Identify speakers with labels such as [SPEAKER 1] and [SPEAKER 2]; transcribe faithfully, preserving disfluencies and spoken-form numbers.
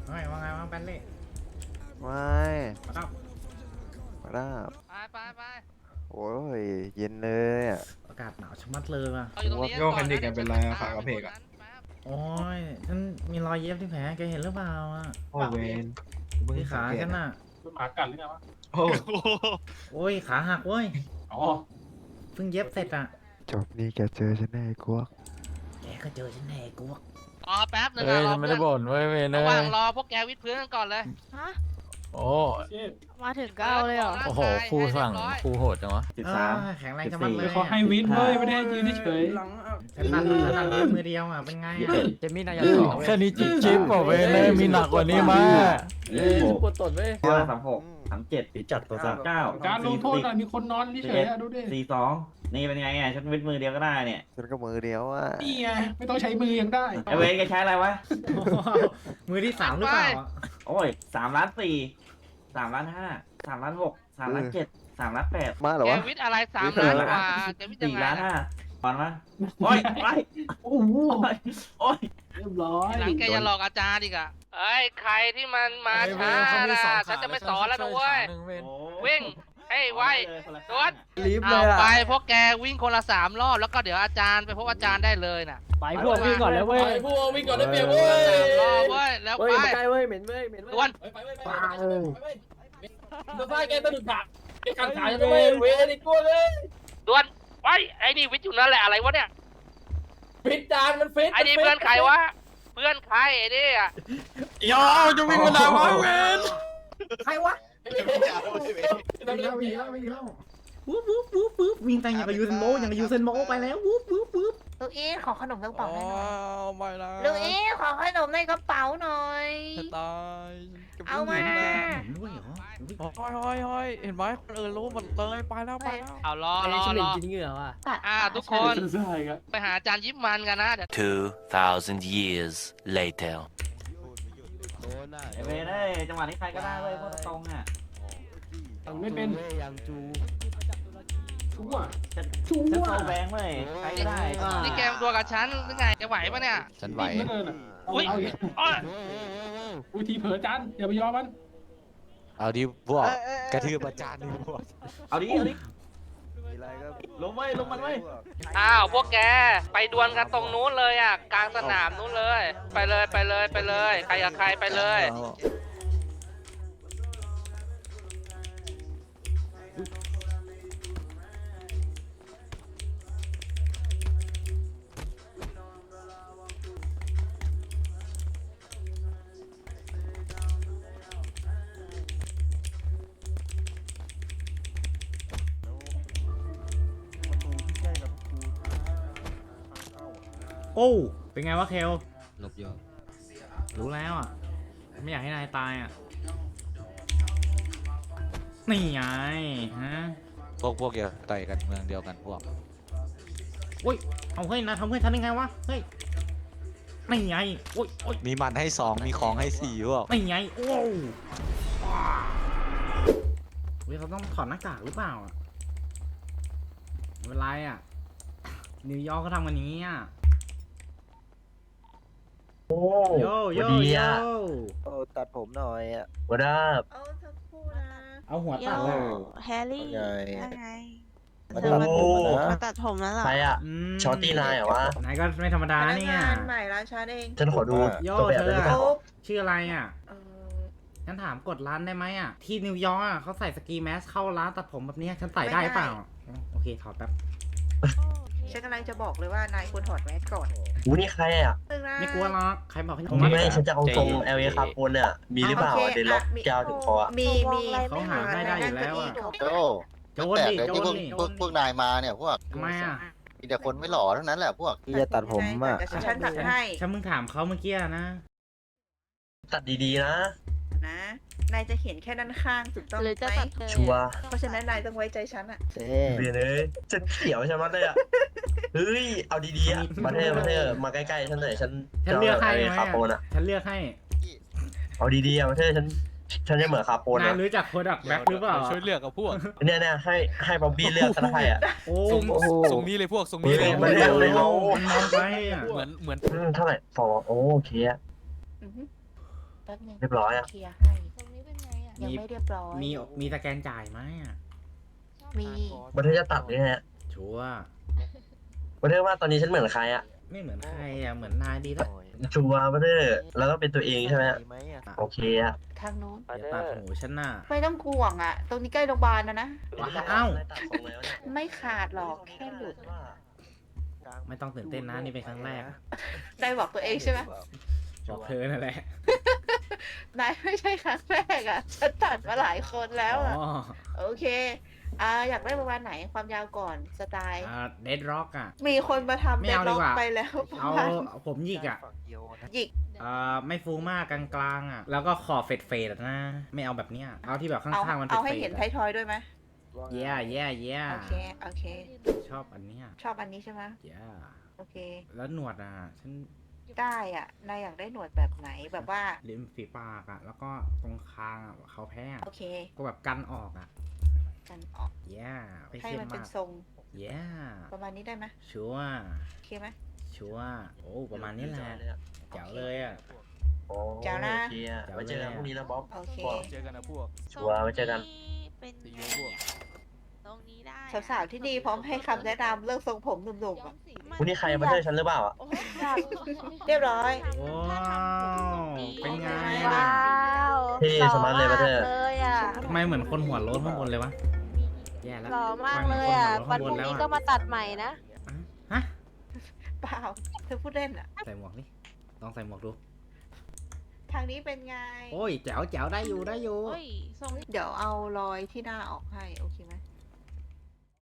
[SPEAKER 1] ว่าไงว่าไงว่าแบนเล่
[SPEAKER 2] ไม่
[SPEAKER 1] มาครับ
[SPEAKER 2] มาได้
[SPEAKER 3] ไปไปไป
[SPEAKER 2] โอ้ยเย็นเลยอ่ะ
[SPEAKER 1] อากาศหนาวชะมัดเลยว่ะ
[SPEAKER 3] เราอยู่ตรงนี้
[SPEAKER 4] โยกคันดิกกันเป็นไรอะขากระเพกอะ
[SPEAKER 1] โอ้ยฉันมีรอยเย็บที่แผลแกเห็นหรือเปล่าอ่ะ
[SPEAKER 4] โอ้เวน
[SPEAKER 1] ที่ขาฉันน่ะ
[SPEAKER 5] หมากัดหรือไงวะ
[SPEAKER 4] โอ้
[SPEAKER 1] โอ้ยขาหักเว้ย
[SPEAKER 5] อ๋อ
[SPEAKER 1] เพิ่งเย็บเสร็จอ่ะ
[SPEAKER 2] จบนี่แกเจอฉันแน่ไอ้กวก
[SPEAKER 1] แกก็เจอฉันแน่กูว่า
[SPEAKER 3] รอแป๊บนึง
[SPEAKER 6] เอ้ย
[SPEAKER 3] รอ
[SPEAKER 6] ฉันไม่
[SPEAKER 3] เพื่
[SPEAKER 6] ได้
[SPEAKER 3] อน
[SPEAKER 6] บ่นเว้ยเวยเน
[SPEAKER 3] ระหว่าง
[SPEAKER 6] ย
[SPEAKER 3] รอพวกแกวิดพื้นกันก่อนเลย
[SPEAKER 7] ฮะ
[SPEAKER 6] โอ้
[SPEAKER 5] เชี่ย
[SPEAKER 7] มาถึงก็เอาเลยเหรอ
[SPEAKER 6] โอ้โหครูสั่งครูโหดจังวะ
[SPEAKER 1] สิบสามแข็งแรงชะมัดเลย
[SPEAKER 5] เขาให้วินเว้ยไม่ได้ให้ยืนเฉย
[SPEAKER 1] ฉันตัดฉันตัดด้วยมือเดียวอ่ะเป็นไงอ่ะ
[SPEAKER 6] เจมี่นายสองแค่นี้จิ๊บจิ๊บบอกเวยเนยมีหนักกว่านี้มา
[SPEAKER 5] เอ้ยปวดตดเว้ย
[SPEAKER 8] ห้าสามหกสามเจ็ดสี่จัดตัวสามเก้า
[SPEAKER 5] การลงโทษอะมีคนนอนเฉยๆอะดูดิ
[SPEAKER 8] สี่สองนี่เป็นไงอ่ะฉันวิดมือเดียวก็ได้เนี่ย
[SPEAKER 2] ฉันก็มือเดียวอ่ะ
[SPEAKER 5] นี่ไงไม่ต้องใช้มือยังได้
[SPEAKER 8] ไอเวนแกใช้อะไรวะ
[SPEAKER 1] มือที่สามหรือเปล่าอ่ะ
[SPEAKER 8] โอ้ยสามล้านสี่สามล้านห้าสามล้านหกสามล้านเจ็ดสามล้านแปด
[SPEAKER 2] มาเหรอ
[SPEAKER 3] แก
[SPEAKER 2] วะ
[SPEAKER 3] วิดอะไรสามล้านกว่าแกวิดยัง
[SPEAKER 8] สี่
[SPEAKER 3] ไง
[SPEAKER 8] ล้าน
[SPEAKER 3] นะ
[SPEAKER 8] ห้าตอนมาโอ้ยโอ้ย
[SPEAKER 5] โอ้โห
[SPEAKER 8] โอ้ยโอ้ย
[SPEAKER 5] เรียบร้อย
[SPEAKER 3] ทีหลังแกจะหลอกอาจารย์อีกอะเอ้ยใครที่มันมาช้าน่ะฉันจะไม่สอนแล้วนะเว้ย วิ่งให้ไวโดด
[SPEAKER 6] รีบเล
[SPEAKER 3] เอา
[SPEAKER 6] ยอ่ะ
[SPEAKER 3] ไปพวกแกวิ่งคนละสามรอบแล้วก็เดี๋ยวอาจารย์ไปพบอาจารย์ได้เลยน่ะ
[SPEAKER 5] ไปพวกวิ่งก่อนเลยเว้ย
[SPEAKER 6] พวกวิ่งก่อนได้เปรียบเว้ย
[SPEAKER 3] สามรอบเว้ยแล้วไป
[SPEAKER 5] ใกล้เว้ยเหม็นเว้ยเหม็น
[SPEAKER 3] ดวน
[SPEAKER 5] ไปไปไปตัวฟ้าแกสะดุดขาแกขันขาจะเว้ยเว้ยไอ้กลัวเลย
[SPEAKER 3] ดวนไปไอ้นี่วิทย์อยู่นั่นแหละอะไรวะเนี่ย
[SPEAKER 5] ฟิตจานมันฟิต
[SPEAKER 3] ไอ้นี่เพื่อนใครวะเพื่อนใครไอ้นี่อะ
[SPEAKER 6] ยาวจะวิ่งมาด่าวะเวน
[SPEAKER 1] ใครวะไม่เล่าไม่เล่าไม่เล่าวูบวูบวูบวูบวิ่งแต่อย่างกับยูเซนโบอย่างกับยูเซนโบไปแล้ววูบวูบวูบ
[SPEAKER 7] ลูกอีทขอขนมในกระเป๋าหน่อย
[SPEAKER 6] ไม่ละ
[SPEAKER 7] ลูกอีทขอขนมในกระเป๋าหน่อย
[SPEAKER 6] ตาย
[SPEAKER 7] เอามา
[SPEAKER 1] ผมด้วยเหรอ
[SPEAKER 6] ห้อยห้อยห้อยเห็นไหมคนอื่นรู้หมดเลยไปแล้วไปแล้ว
[SPEAKER 3] เอารอรอรอ
[SPEAKER 5] เหงื่อว่ะ
[SPEAKER 3] อ่าทุกคน
[SPEAKER 5] ใช่ครับ
[SPEAKER 3] ไปหาอาจารย์ยิ้มมันกันนะเดี๋ยว
[SPEAKER 9] Two thousand years later.
[SPEAKER 8] ไอเวนเอ้ยจังหวะนี้ใครก็ได้เว้ยพวกตรงอ่ะ
[SPEAKER 5] ไม่เป็นชั่ว
[SPEAKER 8] ฉัน
[SPEAKER 5] ชั่
[SPEAKER 8] ฉัน
[SPEAKER 5] ว
[SPEAKER 8] โซแบงค์เว้ยใครก็ได้
[SPEAKER 3] นี่แกมตัวกับฉันหรือไงจะไหวปะเนี่ย
[SPEAKER 6] ฉันไหว
[SPEAKER 5] ไม่เกินอ่ะ
[SPEAKER 3] อุ้ย
[SPEAKER 5] เอาอีก
[SPEAKER 3] อ้อย
[SPEAKER 5] อุ้ยทีเผลอจานอย่าไปยอมมัน
[SPEAKER 6] เอาดิพวกกระทืบอาจารย์ดิพวก
[SPEAKER 8] เอาดิเอาดิ
[SPEAKER 2] มีอะไรก็
[SPEAKER 8] ลงไว้ลงมันไว้
[SPEAKER 3] อ้าวพวกแกไปดวลกันตรงนู้นเลยอ่ะกลางสนามนู้นเลย ไปเลยไปเลยไปเลยใครกับใครไปเลย
[SPEAKER 1] โอ้เป็นไงวะเคล
[SPEAKER 6] ลบเยอะ
[SPEAKER 1] รู้แล้วอ่ะไม่อยากให้นายตายอ่ะนี่ไงฮะ
[SPEAKER 6] พวกพวกเดียวต่อยกันเมืองเดียวกันพวก
[SPEAKER 1] อุ้ยเอาเฮ้ยนะทำเพื่อนฉันได้ไงวะเฮ้ยนี่ไงโอ้ยโอ้ย
[SPEAKER 6] มีมันให้สองมีของให้สี่พวก
[SPEAKER 1] นี่ไงโอ้วเฮ้ยเขาต้องถอดหน้ากากหรือเปล่าอ่ะไม่เป็นไรอ่ะนิวยอร์กเขาทำกันอย่างนี้อ่ะโยโยโย
[SPEAKER 2] โอ้ตัดผมหน่อยอ่ะ
[SPEAKER 8] วัดอัพ
[SPEAKER 7] เอาสักครู่นะ
[SPEAKER 1] เอาหัว
[SPEAKER 7] โย
[SPEAKER 1] ตัดเลย
[SPEAKER 7] แฮร์รี่
[SPEAKER 2] ไง
[SPEAKER 7] ว่าไง
[SPEAKER 2] มาตัดผมอะ
[SPEAKER 7] มา
[SPEAKER 2] นะ
[SPEAKER 7] ตัดผมแล้วเหรอ
[SPEAKER 8] ใครอ่ะ
[SPEAKER 1] ม
[SPEAKER 8] ช็อตตี้นายเหรอวะ
[SPEAKER 1] นายก็ไม่ธรรมดา
[SPEAKER 7] พนัก
[SPEAKER 1] เนี่ย
[SPEAKER 7] งานใหม่ร้านฉันเอง
[SPEAKER 8] ฉันขอดู
[SPEAKER 1] โย
[SPEAKER 8] ตัวแบบ
[SPEAKER 1] เธ
[SPEAKER 8] ได้
[SPEAKER 1] อ
[SPEAKER 8] ไหม
[SPEAKER 1] อะ
[SPEAKER 7] โอ๊บ
[SPEAKER 1] ชื่ออะไรอ่ะ
[SPEAKER 7] เออ
[SPEAKER 1] ฉันถามกดร้านได้ไหมอ่ะ ที่นิวยอร์กอ่ะเขาใส่สกีแมสเข้าร้านตัดผมแบบเนี้ยฉันใส่ได้เปล่า โอเคถอดแป๊บ
[SPEAKER 7] ฉันกำลังจะบอกเลยว่านายควรถอดแมสก่อน
[SPEAKER 8] อู้นี่ใครอ่ะ
[SPEAKER 7] นึงนะ
[SPEAKER 1] ไม่กลัวหรอกใครบอกให้
[SPEAKER 8] ไม่ไม่ฉันจะเอาทรง แอล เอ คาร์บอนเนี่ยมีหรือเปล่า
[SPEAKER 7] โค
[SPEAKER 8] เดนล็อก
[SPEAKER 7] ะมี
[SPEAKER 8] แก้วถึงคออะ
[SPEAKER 7] มีมี
[SPEAKER 1] เขาหาให้ได้อยู่แล้วอ่ะ
[SPEAKER 7] โ
[SPEAKER 2] โอ้
[SPEAKER 1] โจนดิ
[SPEAKER 2] แต่
[SPEAKER 1] โจ
[SPEAKER 2] ที่
[SPEAKER 1] น
[SPEAKER 2] พวก
[SPEAKER 1] ดิ
[SPEAKER 2] พวกพวกนายมาเนี่ยพวก
[SPEAKER 1] ทำไมอ่ะ
[SPEAKER 2] มีแต่คนไม่หล่อเท่านั้นแหละพวกที่จะตัดผมอ่ะ
[SPEAKER 7] เดี๋ยวฉันตัดให้
[SPEAKER 1] ฉันมึงถามเขาเมื่อกี้นะ
[SPEAKER 8] ตัดดีๆนะ
[SPEAKER 7] นะ นายจะเห็นแค่ด้านข้างถูกต้อง
[SPEAKER 10] หรือจะ
[SPEAKER 7] ไหม
[SPEAKER 10] ตัดเลย
[SPEAKER 8] ชัวร์
[SPEAKER 7] เพราะฉะนั้นนายต้องไว้ใจฉันอะ
[SPEAKER 2] เจ๊
[SPEAKER 8] เรียนเลยฉันเขียวใช่ไหมเลยอ่ะ เฮ้ย เอาดีๆอ่ะ มาเถอะมาเถอะมาใกล้ๆฉันหน่อยฉัน
[SPEAKER 1] ฉันเลือกให้
[SPEAKER 8] แอ
[SPEAKER 1] ไหม
[SPEAKER 8] ล คาร์บอน
[SPEAKER 1] อ่ะ
[SPEAKER 8] อ่ะ
[SPEAKER 1] ฉันเลือกให้
[SPEAKER 8] เอาดีๆอ่ะมาเถอะฉัน ฉันจะเหมือนคาร์บอน
[SPEAKER 1] นาย
[SPEAKER 8] อ่ะ
[SPEAKER 1] รู้จักโคดักแบ็คหรือเปล่า
[SPEAKER 6] ช่วยเลือกกับพวก
[SPEAKER 8] เนี่ยเนี่ยให้ให้บ๊อบบี้เลือกซะให้อ่ะ
[SPEAKER 1] โอ้
[SPEAKER 6] ทรง
[SPEAKER 1] โห
[SPEAKER 6] ทรงนี้เลยพวกทรง
[SPEAKER 8] เฮ้
[SPEAKER 6] นี้
[SPEAKER 8] ย
[SPEAKER 6] เลย
[SPEAKER 8] มาเลือกเลยเนาะ
[SPEAKER 1] มันมองไปอ่ะ
[SPEAKER 6] เหมือนเหมือน
[SPEAKER 8] อืมเท่าไหร่ฟอโอเคอ่ะ
[SPEAKER 7] อือฮึแป๊บนึง
[SPEAKER 8] เรียบร้อยอะ
[SPEAKER 7] เคลียร์ให้
[SPEAKER 10] ตรงนี้เป็นไงอ่ะ
[SPEAKER 7] ยังไม่เรียบร้อย
[SPEAKER 1] มีมีสแกนจ่ายไหมอ่ะ
[SPEAKER 7] มี
[SPEAKER 8] ประเทศจะตัดนี่ฮะ
[SPEAKER 1] ชัวร์
[SPEAKER 8] ประเทศว่าตอนนี้ฉันเหมือนใครอะ
[SPEAKER 1] ไม่เหมือนใครอ่ะเหมือนนายดีแล้ว
[SPEAKER 8] ชัวร์ประเทศแล้วก็เป็นตัวเองใช่ไหม
[SPEAKER 2] ดีไหมอ่ะ
[SPEAKER 8] โอเคอะ
[SPEAKER 7] ทางนู้น
[SPEAKER 1] อย่าตัดหูฉันน่ะ
[SPEAKER 7] ไม่ต้องห่วงอ่ะ ตรงนี้ใกล้โรงพยาบาลนะนะ
[SPEAKER 1] อ้าว
[SPEAKER 8] ตัดทรงแล้วเนี่ย
[SPEAKER 7] ไม่ขาดหรอกแค่หลุด
[SPEAKER 1] ไม่ต้องตื่นเต้นนะนี่เป็นครั้งแรก
[SPEAKER 7] นายบอกตัวเองใช่ไหม
[SPEAKER 1] บอกเธอนั่นแหละ
[SPEAKER 7] นายไม่ใช่ครั้งแรกอ่ะฉันตัดมาหลายคนแล้วอ่ะ
[SPEAKER 1] อ๋อ
[SPEAKER 7] โอเคอ่าอยากได้ประมาณไหนความยาวก่อนสไตล์
[SPEAKER 1] อ่าเดดร็อกอ่ะ
[SPEAKER 7] มีคนมาทำ
[SPEAKER 1] ไม่
[SPEAKER 7] เดด
[SPEAKER 1] เอาดี
[SPEAKER 7] ล็อก
[SPEAKER 1] กว่า
[SPEAKER 7] ไปแล้วประ
[SPEAKER 1] เอา
[SPEAKER 7] มาณ
[SPEAKER 1] ผมหยิกอ่ะ
[SPEAKER 2] ฝั่งเดียวนะ
[SPEAKER 7] หยิก
[SPEAKER 1] อ่าไม่ฟูมากกลางๆอ่ะ แล้วก็ขอบเฟดเฟดๆอะนะ ไม่เอาแบบเนี้ย เอาที่แบบข้
[SPEAKER 7] เอา
[SPEAKER 1] างๆมันเฟ
[SPEAKER 7] เอา
[SPEAKER 1] ด
[SPEAKER 7] ให้
[SPEAKER 1] เฟ
[SPEAKER 7] เห็
[SPEAKER 1] ด
[SPEAKER 7] นไทยทอยด้วยไหม
[SPEAKER 1] เย่เย่เย่
[SPEAKER 7] โอเคโอเค
[SPEAKER 1] ชอบอันเนี้ย
[SPEAKER 7] ชอบอันนี้ใช่ไหม
[SPEAKER 1] เย่
[SPEAKER 7] โอเค
[SPEAKER 1] แล้วหนวดอ่ะ ฉัน
[SPEAKER 7] ได้อ่ะนายอยากได้หนวดแบบไหนแบบว่า
[SPEAKER 1] ริมฝีปากอ่ะ แล้วก็ตรงคางอ่ะเขาแพ้อะ
[SPEAKER 7] โอเค
[SPEAKER 1] ก็แบบกันออกอ่ะ
[SPEAKER 7] กันออก
[SPEAKER 1] เย่ไม่
[SPEAKER 7] ให้
[SPEAKER 1] เข้ม
[SPEAKER 7] มันเป็น
[SPEAKER 1] มาก
[SPEAKER 7] ทรง
[SPEAKER 1] เย่
[SPEAKER 7] ประมาณนี้ได้ไหม
[SPEAKER 1] ชัวร์
[SPEAKER 7] โอเคไหม
[SPEAKER 1] ชัวร์โอ้ประมาณนี้แหละเจ๋วเลยอ่ะ
[SPEAKER 8] โอ้
[SPEAKER 7] เจ้านะ
[SPEAKER 8] โอเคอะไว้เจอกันพรุ่งนี้นะบ๊อบ
[SPEAKER 7] โอเค
[SPEAKER 6] เจอกันนะพวก
[SPEAKER 8] ชัวร์ไว้เจอกัน
[SPEAKER 10] เป็น
[SPEAKER 6] สีเยอะพวก
[SPEAKER 10] ตรงนี้ได้
[SPEAKER 7] สาวๆที่ดีพร้อมให้คำแนะนำเรื่องทรงผมหนุ่มๆอ่ะ
[SPEAKER 8] วันนี้ใครมาเจอฉันหรือเปล่าอะ
[SPEAKER 7] เรียบร้อย
[SPEAKER 1] ว้าวเป็นไง
[SPEAKER 10] ว้าว
[SPEAKER 8] เท่สมาร์ทเลยประเทศ
[SPEAKER 10] เลยอ่ะ
[SPEAKER 1] ทำไมเหมือนคนหัวโล้นข้างบนเลยวะแย่แล้ว
[SPEAKER 10] หล่อมากเลยอ่ะ
[SPEAKER 1] ทำไม
[SPEAKER 10] วัน
[SPEAKER 1] เห
[SPEAKER 10] พ
[SPEAKER 1] มื
[SPEAKER 10] รุ่
[SPEAKER 1] อง นคนหัวโล้น
[SPEAKER 10] นี้
[SPEAKER 1] ข้างบนแล้ว
[SPEAKER 10] ก็มาตัดใหม่นะ
[SPEAKER 1] ฮะ
[SPEAKER 7] เปล่าเธอพูดเล่นอ่ะ
[SPEAKER 1] ใส่หมวกนี่ลองใส่หมวกดู
[SPEAKER 7] ทางนี้เป็นไง
[SPEAKER 1] โอ้ยแจ๋วแจ๋วได้อยู่ได้อยู่
[SPEAKER 10] โอ้ยทรง
[SPEAKER 7] เดี๋ยวเอารอยที่หน้าออกให้ โอเคไหม